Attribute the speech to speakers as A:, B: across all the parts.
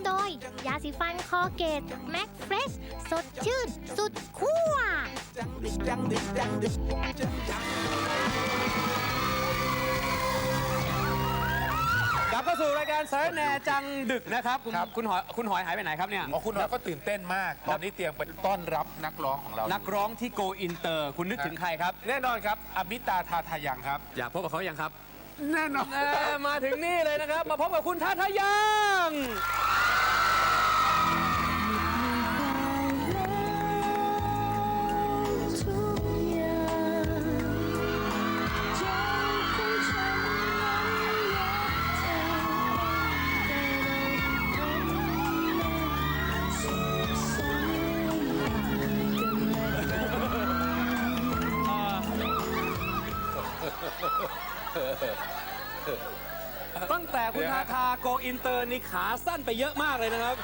A: โดยยาสีฟันคอเกตแม็กเฟรชสดชื่นสุดขั้ว
B: กลับเข้าสู่รายการสารแหน่จังดึกนะครับคุณหอยหายไปไหนครับเนี่ย
C: คุณหอยก็ตื่นเต้นมากตอนนี้เตรียมไปต้อนรับนักร้องของเรา
B: นักร้องที่โกอินเตอร์คุณนึกถึงใครครับ
C: แน่นอนครับอมิตาทาทายังครับ
B: อยากพบกับเขายังครับ
C: แน่นอน
B: มาถึงนี่เลยนะครับมาพบกับคุณทาทายังตั้งแต่คุณทาทาโกอินเตอร์นี่ขาสั้นไปเยอะมากเลยนะครับ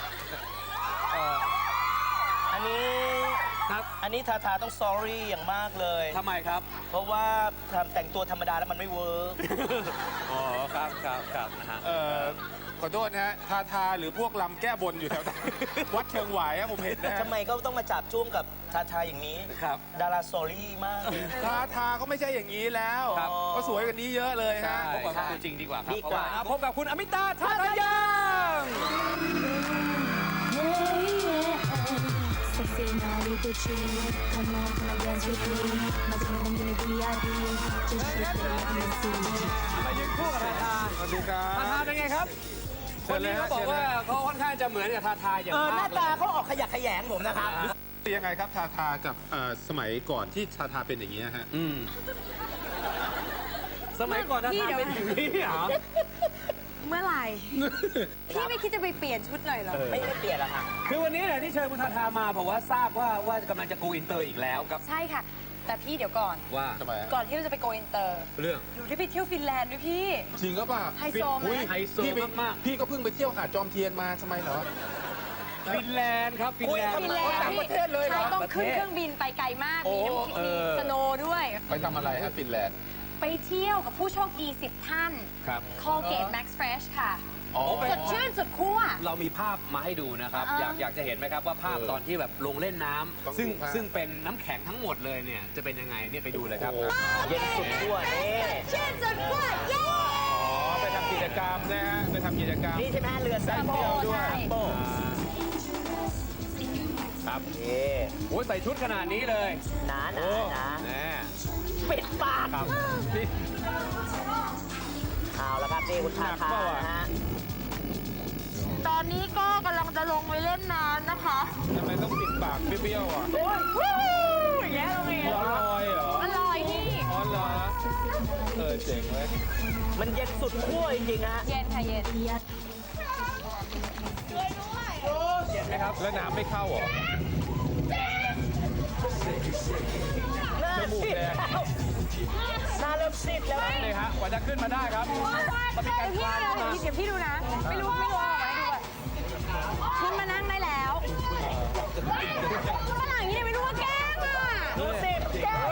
D: อันนี้ทาทาต้อง sorry อย่างมากเลย
B: ทำไมครับ
D: เพราะว่าแต่งตัวธรรมดาแล้วมันไม่เวิร์ก
B: อ๋อครับนะฮะ
C: ขอโทษนะฮะทาหรือพวกลำแก้บนอยู่แถววัดเชิงหวายผมเห็นนะ
D: ทำไมก็ต้องมาจับจ้วงกับทาอย่างนี้
B: ครับ
D: ดารา sorry มาก
C: ทาก็ไม่ใช่อย่างนี้แล้วก็สวยกว่านี้เยอะเลยฮะ
B: พบกับตัวจริงดีกว่า
D: ดีกว่า
B: พบกับคุณอมิตาทาทายัง
E: Sexy naughty bitchy Come on, come and dance with me 마지막은 gonna be VIP Just shake it like Missy
B: มายืนคู่กับทาทา
C: สวัสดีครับ
B: ทาทาเป็นไงครับคนนี้เขาบอกว่าเขาค่อนข้างจะเหมือนกับทาทาอย่างมาก
D: หน้าตาเขาออกขยักขยงผมนะครับ
C: ยังไงครับทากับสมัยก่อนที่ทาเป็นอย่างนี้ฮะ
B: สมัยก่อนทาเป็นอย่างนี้เหรอ
F: เมื่อไหร่พี่ไม่คิดจะไปเปลี่ยนชุดหน่อยเหรอ
D: ไม่เปลี่ยนหรอกค่ะ
B: คือวันนี้เนี่ยที่เชิญคุณทาทามาผมว่าทราบว่ากำลังจะโกอินเตอร์อีกแล้วครับ
F: ใช่ค่ะแต่พี่เดี๋ยวก่อน
B: ว่า
F: ก่อนที่เราจะไปโกอินเตอร์
B: เรื่อง
F: หนูได้ไปเที่ยวฟินแลนด์ด้วยพี่
C: จริงก็ป่ะ
F: ไฮโซไหม
B: ไฮโซมาก
C: พี่ก็เพิ่งไปเที่ยวหาดจอมเทียนมาทำไมเหรอ
B: ฟินแลนด์ครับฟินแลนด์
C: ต่างประเทศเลยเหรอ
F: ต้องขึ้นเครื่องบินไปไกลมากมีน้ำมีสโนว์ด้วย
C: ไปทำอะไรฮะฟินแลนด์
F: ไปเที่ยวกับผู้โชคดี10 ท่านคอลเกตแม็กซ์เฟรชค่ะสดชื่นสุดขั้ว
B: เรามีภาพมาให้ดูนะครับอยากจะเห็นไหมครับว่าภาพตอนที่แบบลงเล่นน้ำซึ่งเป็นน้ำแข็งทั้งหมดเลยเนี่ยจะเป็นยังไงเนี่ยไปดูเลยครับ
D: เย็นสุดขั้วนี่
F: ชื่นสุดขั้วเย้
C: ไปทำกิจกรรมนะฮะไปทำกิจกรรม
D: นี่ใช่ไหมเรือแซมโบ้ด้วย
B: ครับ
D: โอ้
B: ใส่ชุดขนาดนี้เลย
D: หนาปิดปาก
B: ครับ
D: เอาละครับนี่คุณทาทานะฮะ
F: ตอนนี้ก็กำลังจะลงไปเล่นน้ำนะคะ
C: ทำไมต้องปิดปากเปรี้ยวๆอ่ะ
F: อย่างเงี้ยเราเอง
C: อร่อยเหรอ
F: อร่อยนี่
C: อ๋อเหรอเจ๋งเลย
D: มันเย็นสุดขั้วจริงๆฮะ
F: เย็นค่ะเย็น
B: เย็นไหมครับ
C: แล้วน้ำไม่เข้าเหรอ
D: จมูกแดงหน้าเริ่มซีดแล้ว
B: นี่ฮะกว่าจะขึ้นมาได้ครับ
F: ต้องมีการคลานมาเดี๋ยวพี่ดูนะไม่รู้ออกมาให้ดูขึ้นมานั่งได้แล้วฝรั่งนี่ไม่รู้ว่าแกล้งอ่ะ
D: ดูสิแกล้ง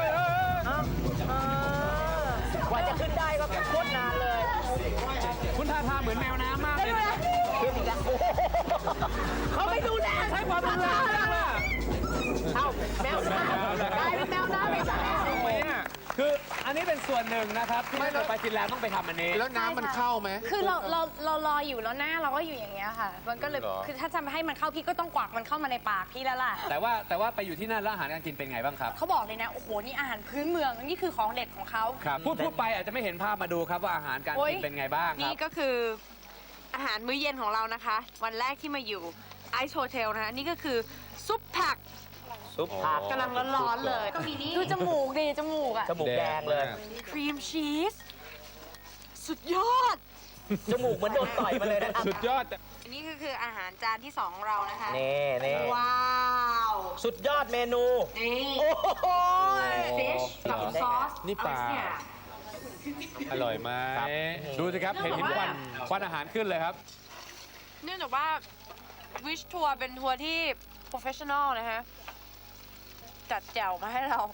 D: กว่าจะขึ้นได้ก็โคตรนานเลย
B: คุณทาทาเหมือนแมวน้ำมากเลย
D: ขึ้นอีกแล้วเขาไม่ดูแล
B: ใช้ความรุนแรง
D: เอ้าแมวน้ำกลายเป็นแมวน้ำไปซะแล้ว
B: คืออันนี้เป็นส่วนหนึ่งนะครับที่เราไปฟินแลนด์ต้องไปทำอันนี้
C: แล้วน้ำมันเข้าไหม
F: คือเรารออยู่แล้วหน้าเราก็อยู่อย่างเงี้ยค่ะมันก็เลยคือถ้าจะให้มันเข้าพี่ก็ต้องกวักมันเข้ามาในปากพี่แล้วล่ะ
B: แต่ว่าไปอยู่ที่นั่นแล้วอาหารการกินเป็นไงบ้างครับ
F: เขาบอกเลยนะโอ้โหนี่อาหารพื้นเมืองนี่คือของเด็ดของเขา
B: ครับพูดไปอาจจะไม่เห็นภาพมาดูครับว่าอาหารการกินเป็นไงบ้างครับ
F: นี่ก็คืออาหารมื้อเย็นของเรานะคะวันแรกที่มาอยู่ไอซ์โฮเทลนะคะนี่ก็คือซุปผักกำลังร้อนๆเลยดูจมูกดิจมูกอะ
D: จมูกแดงเลย
F: ครีมชีสสุดยอด
D: จมูกเหมือนโดนต่อยมาเลยนะ
C: สุดยอด
F: อันนี้คืออาหารจานที่2ของเรานะคะ
D: นี่
F: ว้าว
D: สุดยอดเมนู
F: นี่
D: โอ้โห
F: ฟิชกับซอส
C: นี่ปลาอร่อยไหมดูสิครับเห็นควันอาหารขึ้นเลยครับ
F: เนื่องจากว่าวิชทัวร์เป็นทัวร์ที่โปรเฟชชั่นอลนะฮะจัดแจ่วมาให้เรา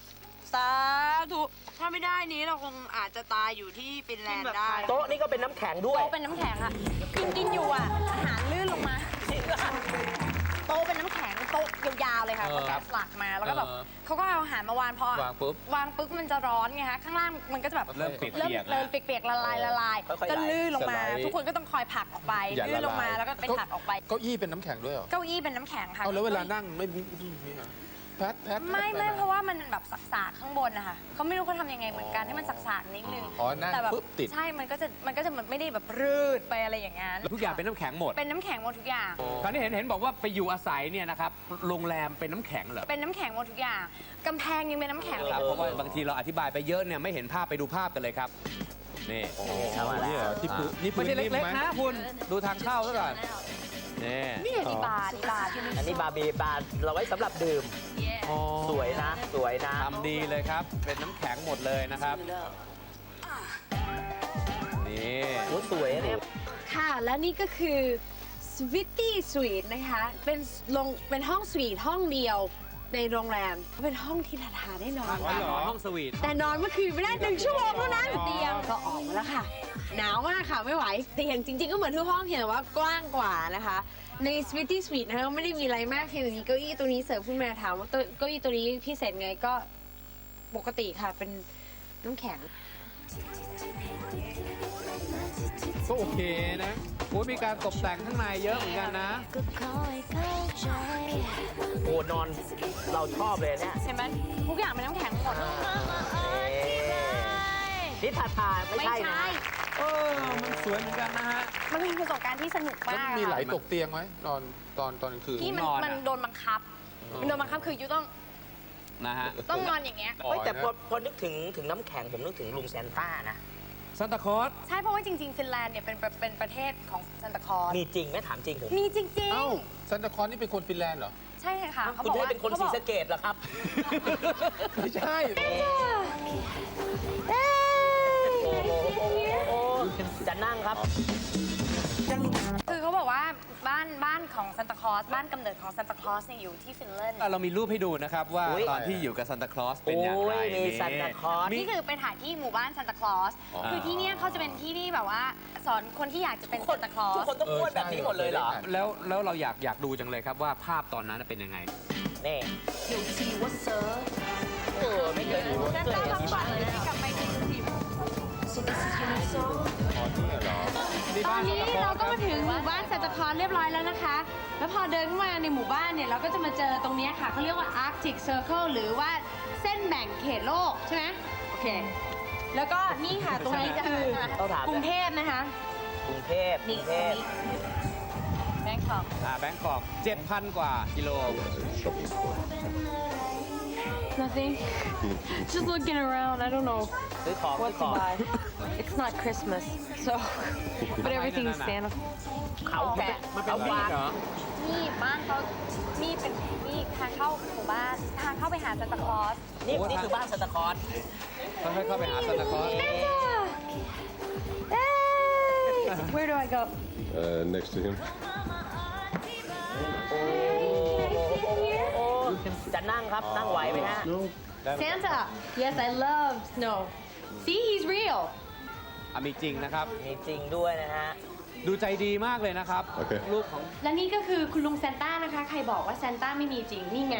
F: สาธุถ้าไม่ได้นี้เราคงอาจจะตายอยู่ที่ฟินแลนด์ได้
D: โต๊ะนี่ก็เป็นน้ำแข็งด้วย
F: โต๊ะเป็นน้ำแข็งอะกินอยู่อะอาหารลื่นลงมาโต๊ะเป็นน้ำแข็งโต๊ะยาวๆเลยค่ะเขาแกะสลักมาแล้วก็แบบเขาก็เอาอาหารมาวางพอ
C: วางปุ๊บ
F: วางปุ๊บมันจะร้อนไงคะข้างล่างมันก็จะแบบ
C: เริ่มเปียกๆ
F: เริ่ม
C: แล้ว
F: เปียกๆละลาย
D: ค่อยๆ
F: ก็ลื่นลงมา
C: สไลด์
F: ทุกคนก็ต้องคอยผลักออกไป
C: อย่า
F: ลื่นลงมา
C: ละลาย
F: แล้วก็ไปผลักออกไป
C: เก้าอี้เป็นน้ำแข็งด้วยเหรอ
F: เก้าอี้เป็นน้ำแข็งค่ะ
C: เอาแล้วเวลานั่งไม่เหรอแพท
F: ไม่เพราะว่ามันแบบสักๆข้างบนนะคะเขาไม่รู้เขาทำยังไงเหมือนกันให้มันสักๆนิดนึง
C: อ๋อนั่ง
F: แต่แบบ
C: ปุ๊บติด
F: ใช่มันก็จะไม่ได้แบบรืดไปอะไรอย่างนั้น
B: ทุกอย่างเป็นน้ำแข็งหมด
F: เป็นน้ำแข็งหมดทุกอย่าง
B: คราวนี้เห็นบอกว่าไปอยู่อาศัยเนี่ยนะครับโรงแรมเป็นน้ำแข็งเหรอ
F: เป็นน้ำแข็งหมดทุกอย่างกำแพงยังเป็นน้ำแข็งเลย
B: ครับเพราะว่าบางทีเราอธิบายไปเยอะเนี่ยไม่เห็นภาพไปดูภาพกันเลยครับนี่
C: นี่เหรอที่พื้นนี่พื้
B: ไม่
C: น
B: ใช่
C: นิ่ม
B: เล็ก
C: ไหม
B: ๆนะคุณดูทางเข้าซะก่อนนี่
F: นี่ดีบาร์ที่นี่
D: อันนี้บาร์บีบาร์เราไว้สำหรับดื่ม
B: อ๋อ
D: สวยนะ สวยนะ
B: ทำดีเลยครับ เป็นน้ำแข็งหมดเลยนะครับนี่
D: โอ้สวยเนี่ย
G: ค่ะ และนี่ก็คือ Sweetie Suite นะคะ เป็นห้องสวีทห้องเดียวในโรงแรม เป็นห้องที่ทาได้นอน
B: การนอนห้องสวีท
G: แต่นอนเมื่อคืนไม่ได้1 ชั่วโมงเท่านั้นเตียงก็ออกมาแล้วค่ะ หนาวมากค่ะ ไม่ไหวเตียงจริงๆก็เหมือนทุกห้องเพียงแต่ว่ากว้างกว่านะคะ ใน Sweetie Suite นะคะไม่ได้มีอะไรมากเพียงแต่มีเก้าอี้ตัวนี้เสิร์ฟขึ้นมาถามว่าเก้าอี้ตัวนี้พิเศษไงก็ปกติค่ะเป็นน้ำแข็ง
C: ก็โอเคนะโอ้ยมีการตกแต่งข้างในเยอะเหมือนกันนะ
E: ก็คอยเข้าใจ
D: โอ้นอนเราชอบเลยเนี่ย
F: เห็นไหมทุกอย่างเป็นน้ำแข็งหมด
D: นี่ทาไม่ใช่นะ
B: เออมันสวยเหมือนกันนะฮะ
F: มันเป็นประสบการณ์ที่สนุก
C: แล้ว
F: มาก
C: มีไหล
F: ค่ะ
C: ตกเตียงไหมนอนตอนกลางคืน
F: ที่
B: นอนอะ
F: มันโดนบังคับมันโดนบังคับคือยูต้อง
B: นะฮะ
F: นอนอย่างเงี้ย
D: เฮ้ยแต่พอนึกถึงน้ำแข็งผมนึกถึงลุงแซนต้านะ
B: ซันตาคลอส
F: ใช่เพราะว่าจริงๆฟินแลนด์เนี่ยเป็นประเทศของซันตาคลอส
D: มีจริงไหมถามจริงผม
F: มีจริง
C: เอ้าซันตาคลอสนี่เป็นคนฟินแลนด์เหรอ
F: ๆ ใช่ค่ะเขา
D: คุณ
F: บอก
D: ได้
F: ว่า
D: เป็นคนศรีสะเกดเหรอครับ
C: ไม่ใช่
D: โอ้โหจะนั่งครับ
F: คือเขาบอกว่าบ้านของซันตาคลอสบ้านกำเนิดของซันตาคลอสเนี่ยอยู่ที่ฟินแลนด์
B: เรามีรูปให้ดูนะครับว่า
D: อุ๊ย
B: ตอนที่อยู่กับซันตาคลอสเป็นอย่างไร
D: โอ้ยมี
B: นี่
D: ซันตาคลอส
F: นี่คือไปถ่ายที่หมู่บ้านซันตาคลอส คือที่เนี่ยเขาจะเป็นที่ที่แบบว่าสอนคนที่อยากจะเป็นซันตาคลอ
D: ทุก
F: ส
D: คนต้องพูดแบบนี้หมดเลยเหรอ
B: แล้วเราอยากดูจังเลยครับว่าภาพตอนนั้นเป็นยังไง
D: นี่ไม่เคยดู
F: ซันตาทั้งฝันเลยกลับไปที่สิบ
C: อ๋อนี่เหรอ
G: ตอนนี้เราก็มาถึงหมู่บ้านซันตาคลอสเรียบร้อยแล้วนะคะ แล้วพอเดินเข้ามาในหมู่บ้านเนี่ยเราก็จะมาเจอตรงเนี้ยค่ะเขาเรียกว่า Arctic Circle หรือว่าเส้นแบ่งเขตโลกใช่ไหมโอเค แล้วก็นี่ค่ะตรงนี้คือกรุงเทพนะคะ
D: กรุงเทพกรุงเทพ
F: แบงคอก
B: แบงกอก 7,000 กว่ากิโล
G: Nothing just looking around I don't know
D: ซื้อของซื้อของ
G: it's not Christmas so but everything is Santa
D: เขาแกะ
B: มันเป็น
D: เขา
B: วี
D: วาง
B: เหรอ
F: นี่บ้านเขานี่เป็นนี่ทางเข้าหมู่บ้านทางเข้าไปหาซันตาคลอส
D: นี่คือบ้านซันตาคลอส
B: ค่อยๆเข้าไปหาซันตาคลอส
G: Where do I go
H: next to him.
D: จะนั่งครับ นั่งไหวไหมฮะ
G: Santa yes I love snow see he's real
B: มีจริงนะครับ
D: มีจริงด้วยนะฮะ
B: ดูใจดีมากเลยนะครับ
H: โอเค
B: รูปของ
G: และนี่ก็คือคุณลุงซานต้านะคะ ใครบอกว่าซานต้าไม่มีจริง นี่ไง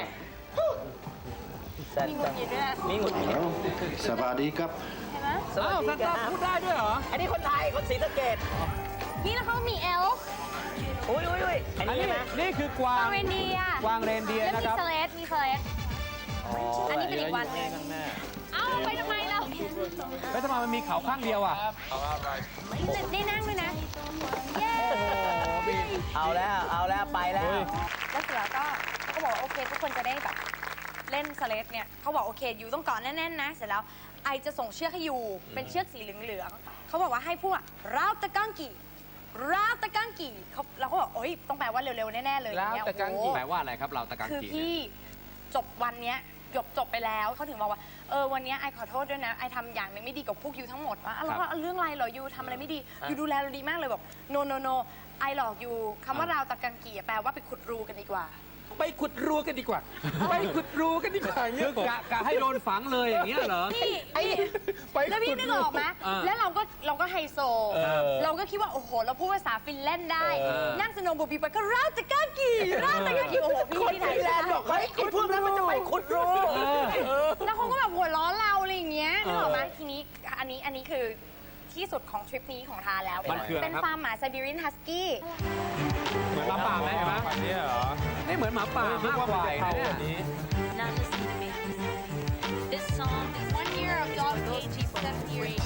F: มีหงุดหงิดด้วยนะ
D: มีหงุดหงิด
H: สวัสดีครับ
F: เห็นไหม
D: สวัส
B: อ้าว
D: ดี
B: ซัน
D: ค
B: ตา
D: รับ
B: พูดได้ด้วยเหรอ
D: อันนี้คนไทย คนศรีสะเกด
F: นี่แล้วเขามีเอลฟ์
D: อุ้ยอัน
B: อัน
D: นี้
B: นี้
D: ใช่ไหม
B: นี่คือกวาง
F: กวางเรนเดียร์
B: กวางเรนเดียร์
F: แล้ว
B: นะ
F: มี
B: ครับ
F: สเลดมีสเลดอันนี้เป็นอีกวันหนึ่งเอ้าไปทำไมเรา
B: แล้วทำไมมันมีเขาข้างเดียวอ่ะ
F: ได้นั่งด้วยนะเย้
D: เอาแล้วไปแล้ว
F: แล้วเสร็จแล้วก็เขาบอกว่าโอเคทุกคนจะได้แบบเล่นสเลดเนี่ยเขาบอกโอเคอยู่ต้องเกาะแน่นๆนะเสร็จแล้วไอจะส่งเชือกให้อยู่เป็นเชือกสีเหลืองๆเขาบอกว่าให้พูดว่าราวตะกังกีเราตะกังกีเราก็บอกโอ้ยต้องแปลว่าเร็วๆแน่ๆเลยอย่างเงี้ย
B: ราวตะกังกี
F: โอ้โห
B: แปลว่าอะไรครับเราตะกัง
F: คือ
B: กีเนี่ย
F: พี่จบวันเนี้ยจบไปแล้วเขาถึงบอกว่าวันเนี้ยไอขอโทษด้วยนะไอทำอย่างหนึงไม่ดีกับพวกยูทั้งหมดว่าแล้วก็เรื่องอะไรเหรอยูทำอะไรไม่ดียูดูแลเราดีมากเลยบอก no ไอหลอกยูคำว่าเราตะกังกีแปลว่าไปขุดรูกันดีกว่า
C: ไปขุดรูกันดีกว่า ไปขุดรูกันดีกว่าอย่างเงี้
B: คื
C: ย
B: อกะให้โดนฝังเลยอย่างเงี้ยเหรอ
F: พี่
C: ไป
F: แล้วพี่นึกออกไหม แล้วเราก็ไฮโซ เราก็คิดว่า โอ้โห เราพูดภาษาฟินแลนด์ได้ นั่งสโนว์บอร์ดปีไปก็ราตะก้ากีราตะก้ากีโอ้โห พี่ที่ไหน
D: ฟินแลนด์บอกเฮ้ยไอ้พวกนั้นมันจะไปขุดรู
F: แล้วเขาก็แบบหัวล้อเราอะไรอย่างเงี้ยนึกออกไหมทีนี้อันนี้คือที่สุดของทริปนี้ของทานแล้ว
B: มันคืออะไร
F: เป็น
B: ครับ
F: ฟาร์มหมาไซบีเรียนฮัสกี้
B: เหมือนหมาป่าไหมเห็นไหม
C: อันนี้เหรอ
B: ไม่เหมือนหมาป่ามากกว่าอีกนะเนี่ย
E: Now listen to me. This song is
F: 1 year of dog cage 7 years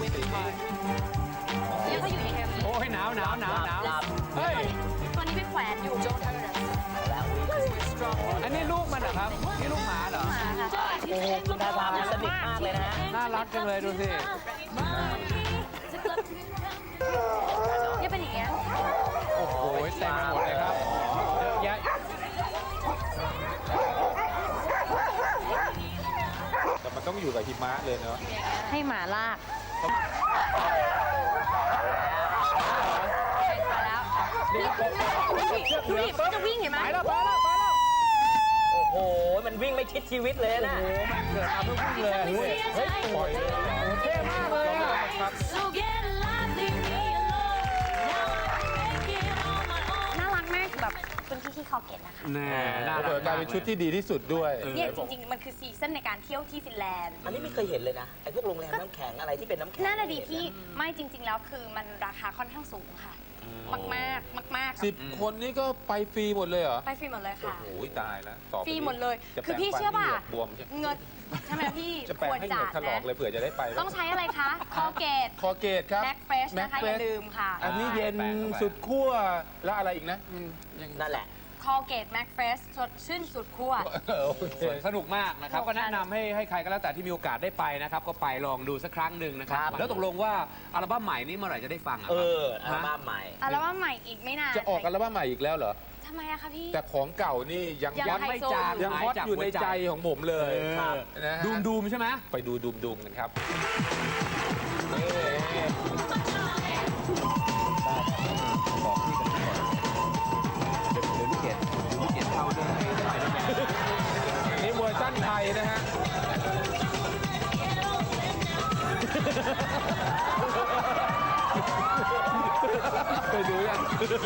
F: เนี่ยเขาอยู่อย่างเงี้ย
B: โอ้ยหนาวหนาวหนาวหนาว
C: เฮ้ย
F: ตัวนี้ไปแขวนอยู่
E: Don't hurt us. Because we're strong.
B: อันนี้ลูกมันเหรอครับ นี่ลูกหมาเหรอ
F: หมาค่ะ
D: โอ้โหคุณทาทามันสนิทมากเลยนะฮะ
B: น่ารักจังเลยดูสิ
F: เนี่ยเป็นอย่างเงี้ย
C: โอ้โหเต็มไปหมดเลยครับเยอะแยะแต่มันต้องอยู่กับหิมะเลยเนาะ
F: ให้หมาลากไปแล้วดูดิมันจะวิ่งเห็นไหม
C: ไปแล้วไปแล้วไปแล้ว
D: โอ้โห มันวิ่งไม่คิดชีวิตเลยนะ
C: เกิดมาเพื่อวิ่งเลยเฮ้ยปล่อยเลยเท่มากเลยอะครับ
E: So get alive, leave me alone. Now I can make it on my own.
F: น่ารักมากแบบเป็นที่คอเกตนะคะ
B: แน่น่า
C: เปิดกลายเป็นชุดที่ดีที่สุดด้วย
F: เนี่ยจริงๆ มันคือซีซั่นในการเที่ยวที่ฟินแลนด์
D: อันนี้ไม่เคยเห็นเลยนะ ไอ้พวกโรงแรมน้ำแข็งอะไรที่เป็นน้ำแข็ง
F: น่าจะดีพี่ไม่จริง ๆ แล้วคือมันราคาค่อนข้างสูงค่ะ มากๆมากๆ
C: 10 คนนี่ก็ไปฟรีหมดเลยเหรอ
F: ไปฟรีหมดเลยค่ะ
C: โอ้ยตายแล้วต่อไป
F: ฟรีหมดเลย
C: จะ
F: คือพี่
C: แปรง
F: เชื่อป่ะ
C: ฟันให้เหงือกบวมใช่ไหม
F: เงินใช่ไหมพี่
C: จะแปลง
F: ควร
C: ให้เหงื
F: จั
C: อก
F: ด
C: ถลอก
F: นะ
C: เลยเผื่อจะได้ไป
F: ต้องใช้อะไรคะ คอเกต
C: คอเกตครับ
F: แม็กเฟรชนะคะ อย่าลืมค่ะ
C: อันนี้เย็นสุดขั้วแล้วอะไรอีกนะยัง
D: นั่นแหละ
F: คอเกตแม็กเฟรชสดชื่นสุดขั้ว
C: โอเค
B: สนุกมากนะครับ ก็แนะนำให้ใครก็แล้วแต่ที่มีโอกาสได้ไปนะครับ ก็ไปลองดูสักครั้งหนึ่งนะครับ
D: ครับ
B: แล้วตกลงว่าอัลบั้มใหม่นี้เมื่อไหร่จะได้ฟังอ่ะ
D: เอ
B: ครับ
D: ออัลบั้มใหม่
F: อัลบั้มใหม่อีกไม่นาน
C: จะออกอัลบั้มใหม่อีกแล้วเหรอ
F: ทำไมอะคะพี่
C: แต่ของเก่านี่ยัง
F: ยัง
B: ไม่จาง
C: ยังฮอตอยู่ในใจของผมเลย
B: ครับ
C: นะฮะ
B: ดูมใช่ไหม
C: ไปดูดูมกันครับ
B: บอกพี่กันก่อนเดี๋ยวลูกเกดเข้าด้วย
C: อันนี้เวอร์ชั่นไทยนะฮะ ไปดูยัง
F: ถามจริง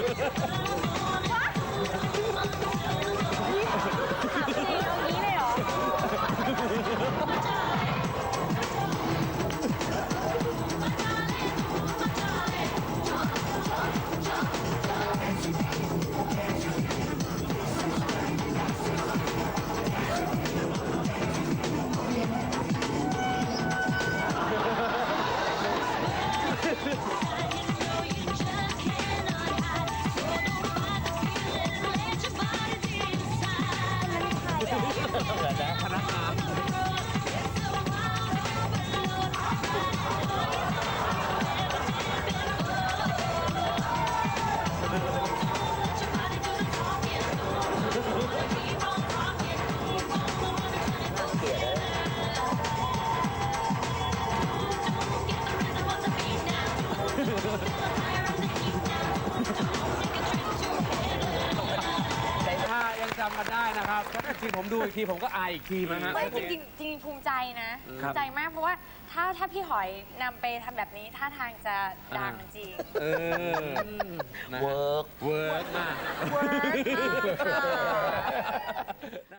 F: เอางี้เลยเหรอ
B: พนักงาน ถ้ายังจำกันได้นะครับถ้าทีผมดูอีกทีผมก็อายอีกทีนะฮะ
F: ไม่จริงภูมิใจนะภู
B: ครับ
F: มิใจมากเพราะว่าถ้าพี่หอยนำไปทำแบบนี้ท่าทางจะดังจริง
B: เออนะฮะ
D: เวิร์ก
B: เวิร์กมาก
F: เวิร์กมากค่ะ